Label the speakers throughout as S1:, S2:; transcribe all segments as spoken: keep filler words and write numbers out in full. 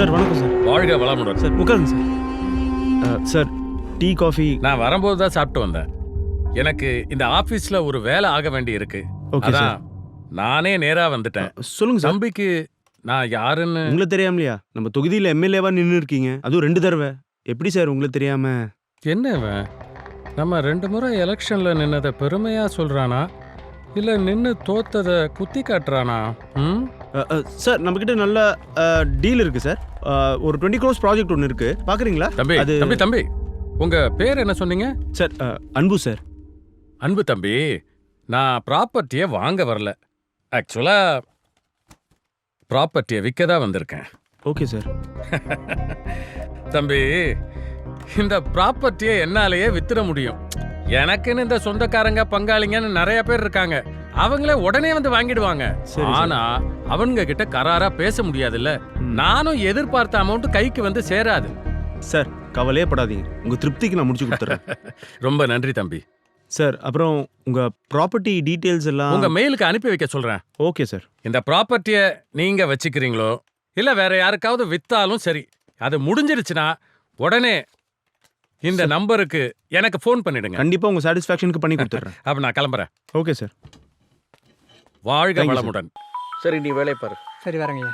S1: Sir வணக்கம் sir.
S2: வாழ்க வளமுடன்.
S1: சார் உட்காருங்க சார். அஹ், சார் டீ காஃபி.
S2: நான் வரும்போது தான் சாப்பிட்டு வந்தேன். எனக்கு இந்த ஆபீஸ்ல ஒரு வேலை ஆக வேண்டி இருக்கு.
S1: Okay sir.
S2: அதான் நானே நேரா வந்துட்டேன்.
S1: சொல்லுங்க சார்.
S2: தம்பிக்கு நான் யாருன்னு
S1: உங்களுக்கு தெரியாமலையா? நம்ம தொகுதியில் எம்எல்ஏவா நின்று இருக்கீங்க, அதுவும் ரெண்டு தடவை. எப்படி சார் உங்களுக்கு தெரியாம?
S2: என்ன இவன்? நம்ம ரெண்டு முறை எலெக்ஷன்ல நின்னதை பெருமையா சொல்றானா இல்ல நின்னு தோத்ததை குத்தி காட்டுறானா? ம்
S1: அஹ், அஹ், சார் நம்மக்கிட்ட நல்ல டீல் இருக்கு சார். அஹ், ஒரு டுவெண்ட்டி க்ரோஸ் ப்ராஜெக்ட் ஒன்று இருக்கு, பார்க்குறீங்களா?
S2: தம்பி
S1: அது
S2: தம்பி தம்பி உங்க பேர் என்ன சொன்னீங்க?
S1: சார் அஹ், அன்பு சார்.
S2: அன்பு தம்பி, நான் ப்ராப்பர்ட்டியை வாங்க வரல. ஆக்சுவலா ப்ராப்பர்ட்டியை விற்க தான் வந்திருக்கேன்.
S1: Okay sir.
S2: தம்பி, இந்த ப்ராப்பர்ட்டியை என்னாலேயே வித்துட முடியும். எனக்குன்னு இந்த சொந்தக்காரங்க பங்காளிங்கன்னு நிறைய பேர் இருக்காங்க. அவங்களே உடனே வந்து வாங்கிடுவாங்க.
S1: சரி,
S2: ஆனா அவங்க கிட்ட கராரா பேச முடியாதுல்ல.
S1: ம்.
S2: நானும் எதிர்பார்த்த அமௌண்ட் கைக்கு வந்து சேராது.
S1: சார் கவலையே படாதீங்க, உங்கள் திருப்திக்கு நான் முடிச்சு கொடுத்துட்றேன்.
S2: ரொம்ப நன்றி தம்பி.
S1: சார் அப்புறம் உங்கள் ப்ராப்பர்ட்டி டீட்டெயில்ஸ் எல்லாம்
S2: உங்க மெயிலுக்கு அனுப்பி வைக்க சொல்றேன்.
S1: Okay sir.
S2: இந்த ப்ராப்பர்ட்டியை நீங்க வச்சுக்கிறீங்களோ இல்ல வேற யாருக்காவது வித்தாலும் சரி, அது முடிஞ்சிருச்சுன்னா உடனே இந்த நம்பருக்கு எனக்கு ஃபோன் பண்ணிடுங்க.
S1: கண்டிப்பாக உங்கள் சாட்டிஸ்ஃபேக்ஷனுக்கு பண்ணி கொடுத்துட்றேன்.
S2: அப்ப நான் கிளம்புறேன்.
S1: Okay sir.
S2: வாழ்க
S1: Thank you,
S2: வளமுடன்.
S3: சரி, நீ வேலையை பாரு.
S4: சரி வரேங்கய்யா.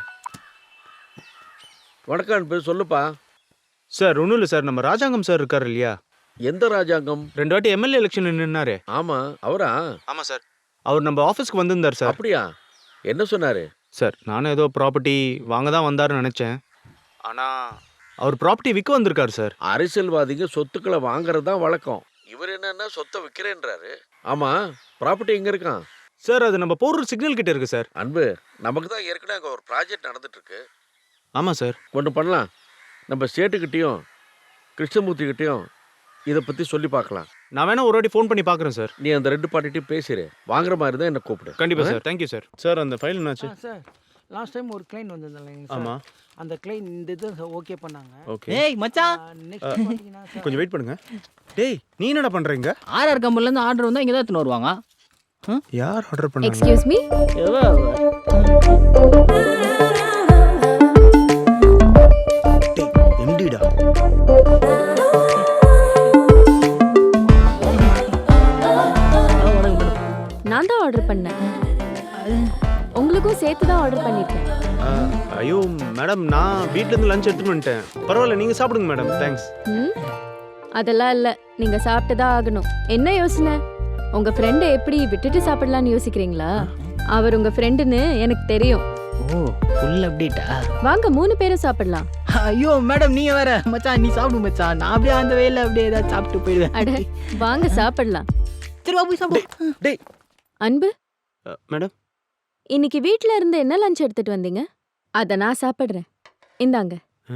S3: வணக்கம் அன்பு, சொல்லுப்பா.
S1: சார் ஒன்றும் இல்லை சார், நம்ம ராஜாங்கம் சார் இருக்கார் இல்லையா?
S3: எந்த ராஜாங்கம்?
S1: ரெண்டு வாட்டி எம்எல்ஏ எலெக்ஷன் நின்னாரு.
S3: ஆமா, அவரா?
S1: ஆமாம் சார். அவர் நம்ம ஆஃபீஸ்க்கு வந்திருந்தார் சார்.
S3: அப்படியா? என்ன சொன்னாரு?
S1: சார் நானும் ஏதோ ப்ராப்பர்ட்டி வாங்க தான் வந்தாருன்னு நினச்சேன். ஆனால் அவர் ப்ராப்பர்ட்டி விற்க வந்திருக்காரு சார்.
S3: அரசியல்வாதிங்க சொத்துக்களை வாங்குறது தான் வழக்கம். இவர் என்னன்னா சொத்தை விற்கிறேன்றாரு. ஆமா, ப்ராப்பர்ட்டி எங்க இருக்கான்?
S1: சார் அது நம்ம போடுற சிக்னல் கிட்ட இருக்கு சார்.
S3: அன்பு, நமக்கு தான் ஏற்கனவே அங்கே ஒரு ப்ராஜெக்ட் நடந்துட்டு இருக்கு.
S1: ஆமாம் சார்.
S3: ஒன்று பண்ணலாம், நம்ம ஸ்டேட்டுக்கிட்டையும் கிருஷ்ணமூர்த்திக்கிட்டையும் இதை பற்றி சொல்லி பார்க்கலாம்.
S1: நான் வேணா ஒரு வாட்டி ஃபோன் பண்ணி பார்க்குறேன் சார்.
S3: நீ அந்த ரெண்டு பார்ட்டிட்டையும் பேசிடு. வாங்குற மாதிரி தான் என்ன கூப்பிடு.
S1: கண்டிப்பாக சார். Thank you sir. சார் அந்த ஃபைல் என்னாச்சு?
S4: சார் லாஸ்ட் டைம் ஒரு கிளைண்ட் வந்திருந்தாங்க சார்.
S1: ஆமாம்.
S4: அந்த கிளைண்ட் இந்த இது ஓகே பண்ணாங்க.
S1: ஓகே.
S5: ஏய் மச்சான்,
S4: நெக்ஸ்ட் பார்த்தீங்கன்னா சார்
S1: கொஞ்சம் வெயிட் பண்ணுங்க. டேய் நீ என்னடா பண்ணுறீங்க?
S5: ஆர்ஆர் கம்பெனிலேருந்து ஆர்டர் வந்தால் இங்கே தான் எடுத்துன்னு வருவாங்க.
S1: யார் ஆர்டர் பண்ணாங்க?
S6: Excuse me.
S1: டேய் எம்டிடா.
S6: நான் தான் ஆர்டர் பண்ணேன். உங்களுக்கும் சேர்த்து தான் ஆர்டர் பண்ணிருக்கேன்.
S1: அஹ், ஐயோ மேடம், நான் வீட்டிலேருந்து லஞ்ச் எடுத்துட்டு வந்துட்டேன். பரவாயில்ல, நீங்கள் சாப்பிடுங்க மேடம். தேங்க்ஸ்.
S6: ம் அதெல்லாம் இல்ல, நீங்க சாப்பிட்டு தான் ஆகணும். என்ன யோசனை? உங்க ஃப்ரெண்டை எப்படி விட்டுட்டு சாப்பிடலாம்னு யோசிக்கிறீங்களா? அவர் உங்க ஃப்ரெண்டுன்னு எனக்கு தெரியும்.
S5: ஓ ஃபுல் அப்டேட்டா?
S6: வாங்க மூணு பேரும் சாப்பிடலாம்.
S5: ஐயோ மேடம், நீங்க வேற. மச்சான் நீ சாப்பிடு மச்சான், நான் அப்படியே அந்த வேலை அப்படியே ஏதாவது சாப்பிட்டு போயிடுவேன்.
S6: அட வாங்க சாப்பிடலாம்.
S5: சரி வா போய் சாப்பிடு.
S1: டேய்
S6: அன்பு,
S1: அஹ், மேடம்.
S6: இன்னைக்கு வீட்ல இருந்து என்ன லஞ்ச் எடுத்துட்டு வந்தீங்க? அத நான் சாப்பிடுறேன். இந்தாங்க,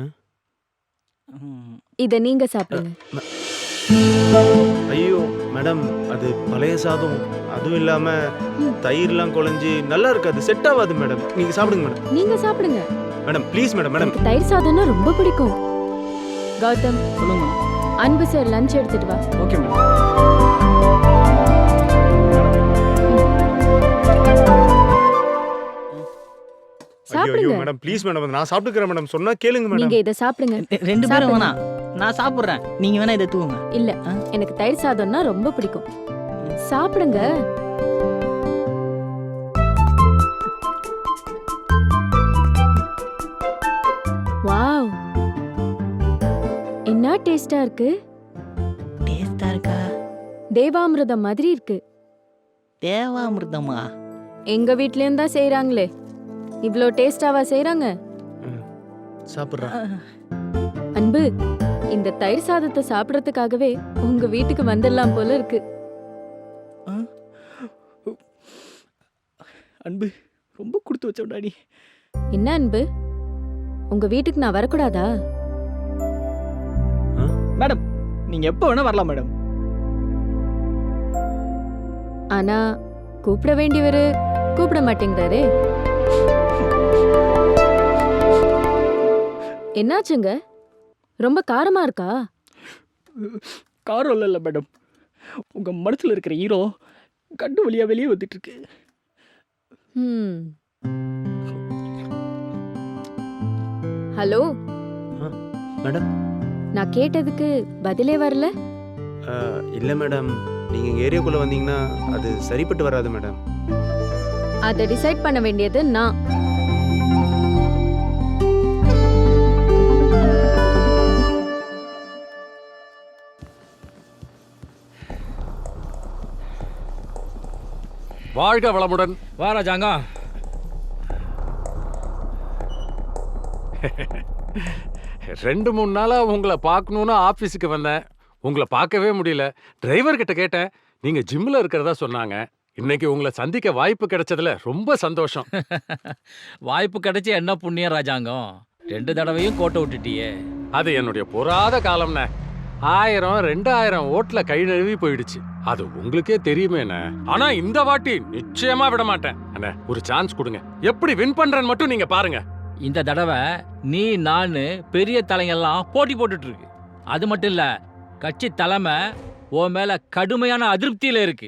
S5: ம்,
S6: இத நீங்க சாப்பிடுங்க.
S1: ஐயோ மேடம், அது பழைய சாதம். அதுவும் இல்லாமல் தயிர்லாம் குழஞ்சி நல்லா இருக்காது, செட் ஆகாது மேடம். நீங்கள் சாப்பிடுங்க மேடம்.
S6: நீங்க சாப்பிடுங்க.
S1: Madam please madam. மேடம்
S6: எனக்கு தயிர் சாதம்னா ரொம்ப பிடிக்கும். கௌதம்,
S5: சொல்லுங்க.
S6: அன்பு சார் லஞ்ச் எடுத்துட்டு வா.
S4: Okay madam.
S1: ஐயோ
S6: சாப்பிடுங்க.
S1: மேடம் ப்ளீஸ் மேடம், நான் சாப்பிட்டுக்கிறேன் மேடம். சொன்னா கேளுங்க மேடம்.
S6: நீங்க இத சாப்பிடுங்க.
S5: ரெ- ரெண்டு பேரும்
S6: சாப்பிடுங்க.
S5: வேணாம், நான் சாப்பிட்றேன், நீங்க வேணா இதை தூவுங்க.
S6: இல்ல,
S5: ஆ?
S6: எனக்கு தயிர் சாதம்னா ரொம்ப பிடிக்கும். சாப்பிடுங்க. வாவ், என்ன டேஸ்டா இருக்கு.
S5: டேஸ்டா இருக்கா?
S6: தேவாமிர்தம் மாதிரி இருக்கு.
S5: தேவாமிர்தமா?
S6: எங்க வீட்லயும் தான் செய்றாங்களே. இவ்ளோ டேஸ்டாவா செய்றாங்க?
S1: சாப்பிட்றா.
S6: அன்பு, இந்த தயிர் சாதத்தை சாப்பிடறதுக்காகவே உங்க வீட்டுக்கு வந்துடலாம் போல இருக்கு.
S5: அன்பு ரொம்ப கொடுத்து வச்சோடாடி.
S6: என்ன அன்பு, உங்க வீட்டுக்கு நான் வரக்கூடாதா?
S5: மேடம் நீங்க எப்போ வேணா வரலாம் மேடம்.
S6: ஆனா கூப்பிட வேண்டியவரு கூப்பிட மாட்டேங்கிறாரே. என்னாச்சுங்க? ரொம்ப காரமா இருக்கா?
S5: காரம் இல்லை மேடம், உங்க மனசுல இருக்கிற ஹீரோ கண்டு வழியா வெளியே வந்துட்டு இருக்கு.
S6: ஹலோ,
S1: மேடம்
S6: நான் கேட்டதுக்கு பதிலே வரல.
S1: இல்லை மேடம், நீங்கள் எங்கள் ஏரியாக்குள்ளே வந்தீங்கன்னா அது சரிப்பட்டு வராது மேடம்.
S6: அதை டிசைட் பண்ண வேண்டியது நான்.
S2: வாழ்க வளமுடன்.
S7: வா ராஜாங்கம்.
S2: ரெண்டு மூணு நாளா உங்களை பார்க்கணும்னு ஆபீஸுக்கு வந்தேன். உங்களை பார்க்கவே முடியல. டிரைவர் கிட்ட கேட்டேன், நீங்க ஜிம்ல இருக்கிறதா சொன்னாங்க. இன்னைக்கு உங்களை சந்திக்க வாய்ப்பு கிடைச்சதுல ரொம்ப சந்தோஷம்.
S7: வாய்ப்பு கிடைச்சி என்ன புண்ணியம் ராஜாங்கம். ரெண்டு தடவையும் கோட்டை விட்டுட்டியே.
S2: அது என்னுடைய பொறாத காலம்னே. ஆயிரம் ரெண்டாயிரம் ஓட்டுல கை நழுவி போயிடுச்சு. அது உங்களுக்கே தெரியுமேண்ணே. ஆனா இந்த வாட்டி நிச்சயமா விட மாட்டேன். அண்ணே, ஒரு சான்ஸ் கொடுங்க. எப்படி வின் பண்றேன்னு மட்டும் நீங்க பாருங்க.
S7: இந்த தடவை நீ நானு பெரிய தலைங்கெல்லாம் போட்டி போட்டுட்டு இருக்கு. அது மட்டும் இல்ல, கட்சி தலைமை உன் மேல கடுமையான அதிருப்தியில இருக்கு.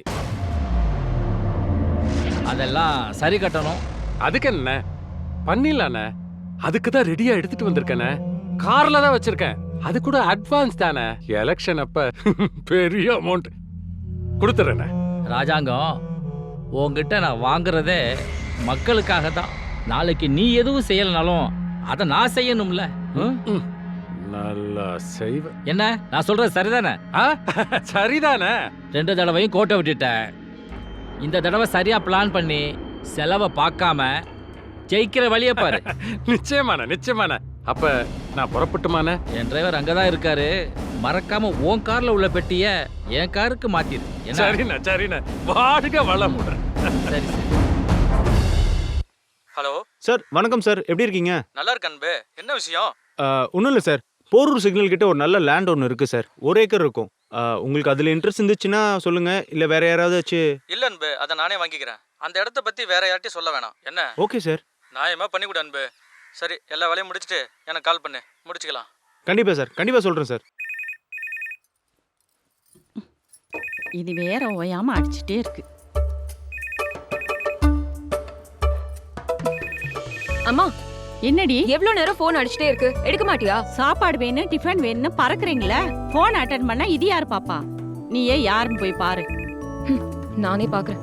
S7: அதெல்லாம் சரி கட்டணும்.
S2: அதுக்கு என்ன பண்ணிடலாண்ணே. அதுக்கு தான் ரெடியா எடுத்துட்டு வந்திருக்கேனே. கார்ல தான் வச்சிருக்கேன். அது கூட அட்வான்ஸ் தானே. எலெக்ஷன் அப்ப பெரிய அமௌண்ட் கொடுத்துறேண்ணே.
S7: ராஜாங்கம், உன்கிட்ட நான் வாங்குறதே மக்களுக்காக தான். நாளைக்கு நீ எதுவும் செய்யலனாலும் அதை நான் செய்யணும்ல. ம்?
S2: நல்லா செய்வேன்.
S7: என்ன நான் சொல்றது சரிதானே?
S2: ஆ, சரிதானே.
S7: ரெண்டு தடவையும் கோட்டை விட்டுட்ட. இந்த தடவை சரியா பிளான் பண்ணி செலவை பார்க்காம ஜெயிக்கிற வழியை பாரு.
S2: நிச்சயமான நிச்சயமான. அப்ப நான் புறப்பட்டுமானே?
S7: என் டிரைவர் அங்கதான் இருக்காரு. மறக்காம உன் கார்ல உள்ள பெட்டிய என் காருக்கு மாத்திரு. என்ன?
S2: சரிண்ணா சரிண்ணா. வாழ்க வளமுடன்.
S7: சரி சரி.
S8: ஹலோ
S1: சார் வணக்கம் சார், எப்படி இருக்கீங்க?
S8: நல்லா இருக்க அன்பு. என்ன விஷயம்?
S1: ஒன்றும் இல்லை சார், போரூர் சிக்னல் கிட்ட ஒரு நல்ல லேண்ட் ஒன்று இருக்குது சார். ஒரு ஏக்கர் இருக்கும். ஆஹ், உங்களுக்கு அதில் இன்ட்ரெஸ்ட் இருந்துச்சுன்னா சொல்லுங்கள், இல்லை வேற யாராவது வச்சு.
S8: இல்ல அன்பு, அதை நானே வாங்கிக்கிறேன். அந்த இடத்த பத்தி வேற யார்ட்டையும் சொல்ல வேணாம். என்ன?
S1: Okay sir.
S8: நியாயமா பண்ணி கொடு அன்பு. சரி, எல்லா வேலையும் முடிச்சுட்டு எனக்கு கால் பண்ணு, முடிச்சுக்கலாம்.
S1: கண்டிப்பாக சார், கண்டிப்பாக சொல்கிறேன் சார்.
S9: இது வேற ஓயாம அடிச்சுட்டே இருக்கு.
S6: அம்மா,
S9: என்னடி
S6: எவ்வளவு நேரம் போன் அடிச்சிட்டே இருக்கு, எடுக்க மாட்டியா?
S9: சாப்பாடு வேணும், டிஃபன் வேணும்னு பறக்குறீங்களே. போன் அட்டன் பண்ணா இது யாரு பாப்பா? நீ ஏன் யாருன்னு போய் பாரு.
S6: நானே பாக்குறேன்.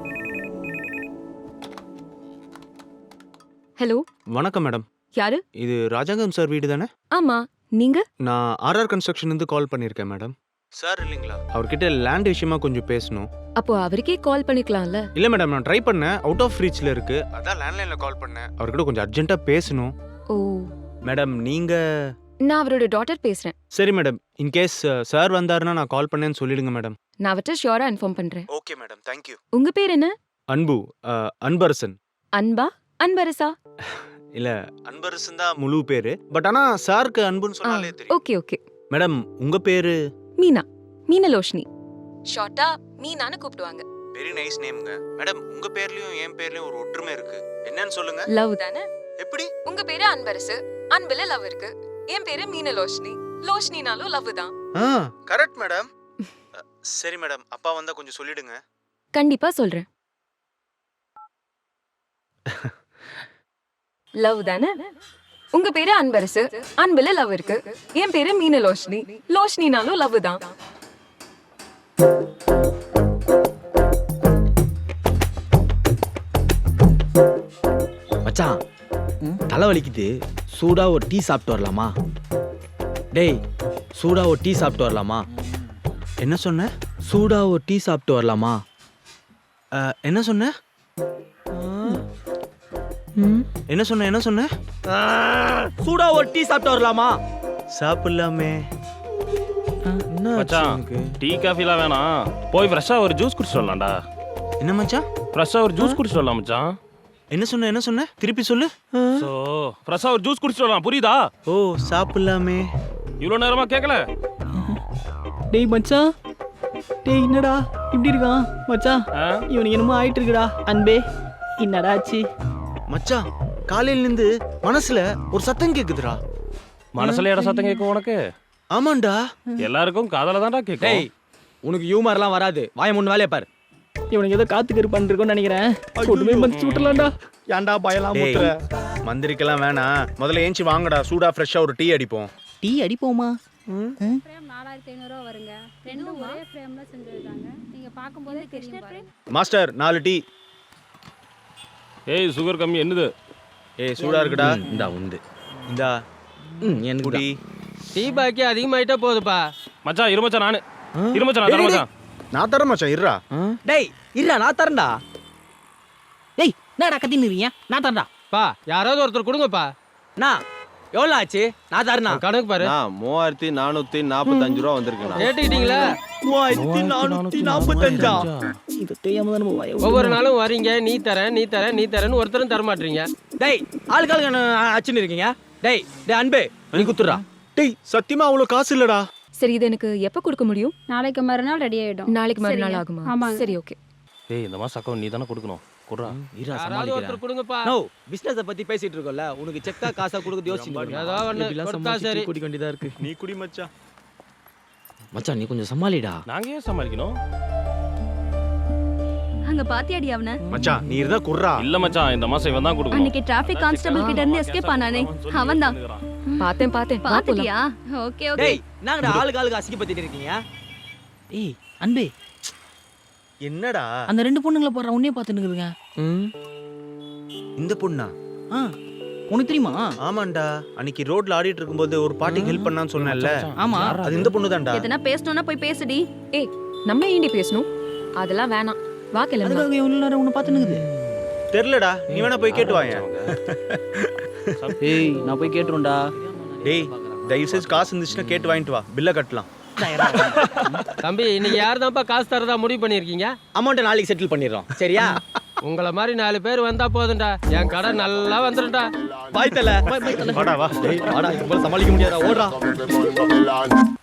S6: ஹலோ,
S1: வணக்கம் மேடம்.
S6: யாரு?
S1: இது ராஜாங்கம் சார் வீடு தானே?
S6: ஆமா, நீங்க?
S1: நான் ஆர்ஆர் கன்ஸ்ட்ரக்ஷன்லேருந்து கால் பண்ணியிருக்கேன் மேடம். சார் இல்லைங்களா? அவர்கிட்ட லேண்ட் விஷயமா கொஞ்சம் பேசணும்.
S6: அப்போ அவருக்கே கால் பண்ணிக்கலாம்ல.
S1: இல்லை மேடம், நான் ட்ரை பண்ணேன், அவுட் ஆஃப் ரீச்சில் இருக்கு. அதான் லேண்ட்லைனில் கால் பண்ணேன். அவர்கிட்ட கொஞ்சம் அர்ஜென்ட்டாக பேசணும்.
S6: ஓ,
S1: மேடம் நீங்கள்?
S6: நான் அவரோட டாட்டர் பேசுறேன்.
S1: சரி மேடம், இன்கேஸ் சார் வந்தாருன்னா நான் கால் பண்ணேன்னு சொல்லிடுங்க மேடம்.
S6: நான் அவர்கிட்ட ஷியோரா இன்ஃபார்ம் பண்றேன்.
S1: Okay madam, thank you.
S6: உங்க பேர் என்ன?
S1: அன்பு, அஹ், அன்பரசன்.
S6: அன்பா? அன்பரசா?
S1: இல்ல, அன்பரசன் தான் முழு பேரு. பட் ஆனா சாருக்கு அன்புன்னு சொன்னாலே தெரியும்.
S6: Okay okay.
S1: மேடம் உங்க பேரு?
S6: மீனா, மீனலோஷினி. ஷார்ட்டா மீனான்னு கூப்பிடுவாங்க.
S1: Very nice நேம்ங்க. மேடம் உங்க பேர்லயும் என் பேர்லயும் ஒரு ஒற்றுமை இருக்கு. என்னன்னு சொல்லுங்க.
S6: லவ் தானே?
S1: எப்படி?
S6: உங்க பேரு அன்பரசு, அன்புல லவ் இருக்கு. என் பேரு மீனலோஷினி, லோஷினினாலும் லவ் தான்.
S1: ஆ, கரெக்ட் மேடம். சரி மேடம், அப்பா வந்தா கொஞ்சம் சொல்லிடுங்க.
S6: கண்டிப்பா சொல்றேன். லவ் தானே? உங்க பேரு அன்பரசு, அன்புல லவ் இருக்கு. என் பேரு மீனலோஷினி, லோஷினினாலும் லவ் தான்.
S5: மச்சான், தலை வலிக்குது. சூடா ஒரு டீ சாப்பிட்டு வரலாமா? டேய், சூடா ஒரு டீ சாப்பிட்டு வரலாமா?
S1: என்ன சொன்ன?
S5: சூடா ஒரு டீ சாப்பிட்டு வரலாமா?
S1: அஹ், என்ன சொன்ன? என்ன சொன்ன என்ன சொன்ன?
S5: சூடா ஒரு டீ சாப்பிட்டு வரலாமா?
S1: சாப்பிடலாமே. என்ன ஆச்சு
S10: மச்சான்,
S1: உனக்கு?
S10: டீ காஃபிலாம் வேணாம். போய் ஃப்ரெஷ்ஷா ஒரு ஜூஸ் குடிச்சிட்டு வரலாம்டா.
S1: என்ன மச்சான்?
S10: ஃப்ரெஷ்ஷா ஒரு ஜூஸ் குடிச்சிட்டு வரலாம் மச்சான்.
S1: என்ன சொன்ன என்ன சொன்ன? திருப்பி சொல்லு.
S10: ஸோ ஃப்ரெஷ்ஷா ஒரு ஜூஸ் குடிச்சிட்டு வரலாம், புரியுதா?
S1: ஓ, சாப்பிடலாமே.
S10: இவ்வளோ நேரமா கேட்கல?
S5: டேய் மச்சான், டேய் என்னடா இப்படி இருக்கான் மச்சான்?
S10: ஆ?
S5: இவனுக்கு என்னமோ ஆயிட்டு இருக்குடா. அன்பே, என்னடா ஆச்சு?
S1: மச்சான், காலையில இருந்து மனசுல ஒரு சத்தம் கேக்குதுடா.
S10: மனசுல இட சத்தம் கேட்கும் உனக்கு?
S1: ஆமாண்டா.
S10: எல்லாருக்கும் காதல தான்டா கேட்கும்.
S5: டேய், உனக்கு ஹியூமர்லாம் வராது. வாய மூணு வேலையை பாரு. இவனுக்கு ஏதோ காத்துக்கரு பண்ணிருக்கோன்னு நினைக்கிறேன். ஒட்டுமே மதிச்சு விட்டுலாம்டா. ஏன்டா பயலாம்
S1: டேய்,
S5: முட்டுற?
S1: மந்திரிக்கெல்லாம் வேணாம். முதல்ல ஏஞ்சி வாங்கடா, சூடா ஃப்ரெஷ்ஷா ஒரு டீ அடிப்போம்.
S5: டீ அடிப்போமா?
S11: ஃப்ரேம் நாலாயிரத்தி ஐநூறுரூவா வருங்க. ரெண்டும் ஒரே ஃப்ரேமில் செஞ்சுருக்காங்க. நீங்கள் பார்க்கும்போதே தெரியும் பாருங்க.
S1: மாஸ்டர் நாலு டீ.
S10: ஏய் சுகர் கம்மி என்னது?
S1: ஏய் சூடா இருக்குடா.
S5: இந்தா உண்டு.
S1: இந்தா
S5: ம் எனக்கு
S1: குடி.
S4: டீ பாக்கி அதிகமாயிட்டா போகுதுப்பா.
S10: மச்சான் இரு மச்சான் நானு இரு மச்சான் நான் தரேன் மச்சான்.
S1: நான் தரேன் மச்சான் இருடா.
S5: டேய் இருடா நான் தரேன்டா. டேய் என்னடா கத்தின்னு இருக்கீங்க? நான் தரேன்டா.
S4: பா யாராவது ஒருத்தர் கொடுங்கப்பா.
S5: நான் எவ்வளோ ஆச்சு? நான் தரேனா?
S4: கணக்கு பாரு.
S12: மூவாயிரத்தி நானூத்தி நாற்பத்தஞ்சு ரூபா வந்திருக்குண்ணா.
S4: கேட்டுக்கிட்டீங்களா?
S5: மூவாயிரத்தி நானூத்தி நாற்பத்தஞ்சா? இது தெரியாம தான் நம்ம வய-
S4: ஒவ்வொரு நாளும் வரீங்க, நீ தரேன் நீ தரேன் நீ தரேன்னு ஒருத்தரும் தர மாட்டீங்க.
S5: டேய் ஆளுக்கு ஆளுக்கு என்ன அச்சுன்னு இருக்கீங்க? டேய் டேய் அன்பே நீ குத்துறா.
S1: டேய் சத்தியமா அவ்வளோ காசு இல்லடா.
S6: சரி இது எனக்கு எப்போ கொடுக்க முடியும்?
S11: நாளைக்கு மறுநாள் ரெடி ஆகிடும்.
S6: நாளைக்கு மறுநாள் ஆகுமா?
S11: ஆமாங்க.
S6: சரி ஓகே.
S10: ஏய் இந்த மாசம் அக்கௌண்ட் நீ தானே கொடுக்கணும். குடுறா.
S5: இரா
S4: யாராவது
S5: சமாளிக்கிறேன்.
S4: ஒருத்தர் கொடுங்கப்பா.
S5: நோ பிசினஸ் பத்தி பேசிட்டு இருக்கோம்ல, உனக்கு செக்கா காசா கொடுக்க யோசிச்சு
S4: ஏதோ ஒண்ணு கொடுத்தா சரி.
S5: குடி வேண்டியதா இருக்கு.
S1: நீ குடி மச்சான்.
S5: மச்சான் நீ கொஞ்சம் சமாளிடா.
S10: நாங்க ஏன் சமாளிக்கணும்?
S11: அங்க பாத்தியாடி அவனை?
S1: மச்சான் நீ இருந்தா குர்றா.
S10: இல்ல மச்சான் இந்த மாசம் இவன் தான் கொடுக்கணும்.
S11: அன்னைக்கு டிராஃபிக் கான்ஸ்டபிள் கிட்ட இருந்து எஸ்கேப் ஆனானே அவன் தான்.
S6: பார்த்தேன் பார்த்தேன். வா போலாம்.
S11: பாத்துட்டியா? Okay okay.
S5: டேய் நாங்கடா ஆளுக்கு ஆளுக்கு அசிங்கப்படுத்திட்டு இருக்கீங்க. ஏய் அன்பே
S1: என்னடா
S5: அந்த ரெண்டு பொண்ணுங்களை போற உன்னைய பார்த்துட்டு இருக்குங்க.
S1: இந்த பொண்ணா?
S5: ஆ உனக்கு தெரியுமா?
S1: ஆமாண்டா அன்னைக்கு ரோட்ல ஆடிட்டு இருக்கும்போது ஒரு பாட்டிக்கு ஹெல்ப் பண்ணான்னு சொன்னேன்ல.
S5: ஆமா
S1: அது இந்த பொண்ணு தான்டா.
S11: எதனா பேசணும்னா போய் பேசுடி.
S6: ஏய் நம்ம ஏண்டி பேசணும்? அதெல்லாம் வேணாம். வா கிளம்பு.
S5: அதுக்காக இவ்வளவு நேரம் உன்னை பார்த்துன்னு இருக்குது.
S1: தெரியலடா நீ வேணா போய் கேட்டு வாயேன்.
S5: ஏய் நான் போய் கேட்டுறேன்டா.
S1: டேய் தயவு செஞ்சு காசு இருந்துச்சுன்னா கேட்டு வாங்கிட்டு வா, பில்லை கட்டலாம்.
S4: தம்பி இன்னைக்கு யார் தான்ப்பா காசு தரதா முடிவு பண்ணிருக்கீங்க?
S5: அமௌண்ட்டை நாளைக்கு செட்டில் பண்ணிடுறோம் சரியா?
S4: உங்களை மாதிரி நாலு பேர் வந்தா போதும்டா, என் கடை நல்லா வந்துடும்டா.
S5: பாய் தல
S1: வாடா வா.
S5: டேய் வாடா இது போல சமாளிக்க முடியாதா? ஓடுறா.